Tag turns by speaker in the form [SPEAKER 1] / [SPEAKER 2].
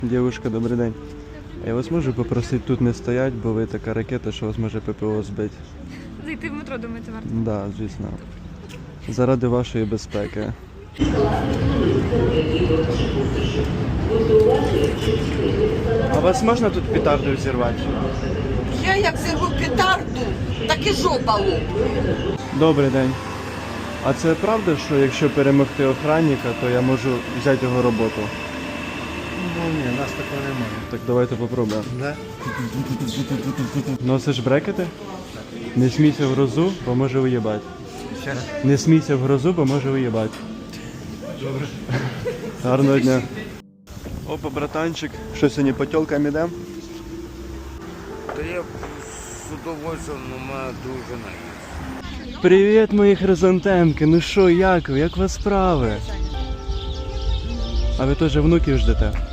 [SPEAKER 1] Дівушка, добрий день. Я вас можу попросити тут не стоять, бо ви така ракета, що вас може ППО збити.
[SPEAKER 2] Зайти в метро, думаєте, варто?
[SPEAKER 1] Так, да, звісно. Заради вашої безпеки. А вас можна тут петарду зірвати?
[SPEAKER 3] Я як зірву петарду, так і жопа лопне.
[SPEAKER 1] Добрий день. А це правда, що якщо перемогти охранника, то я можу взяти його роботу?
[SPEAKER 4] Ну ні, нас такого немає.
[SPEAKER 1] Так давайте попробуємо.
[SPEAKER 4] Да?
[SPEAKER 1] Носиш брекети? Не смійся в грозу, бо може уїбати.
[SPEAKER 4] Ще раз.
[SPEAKER 1] Не смійся в грозу, бо може уїбати.
[SPEAKER 4] Добре.
[SPEAKER 1] Гарного дня. Опа, братанчик. Що сьогодні по тілкам ідем?
[SPEAKER 5] Та я з удовольствием, але мене дружина є.
[SPEAKER 1] Привіт, мої хризантемки. Ну що, як ви? Як у вас справи? А ви теж внуків ждете?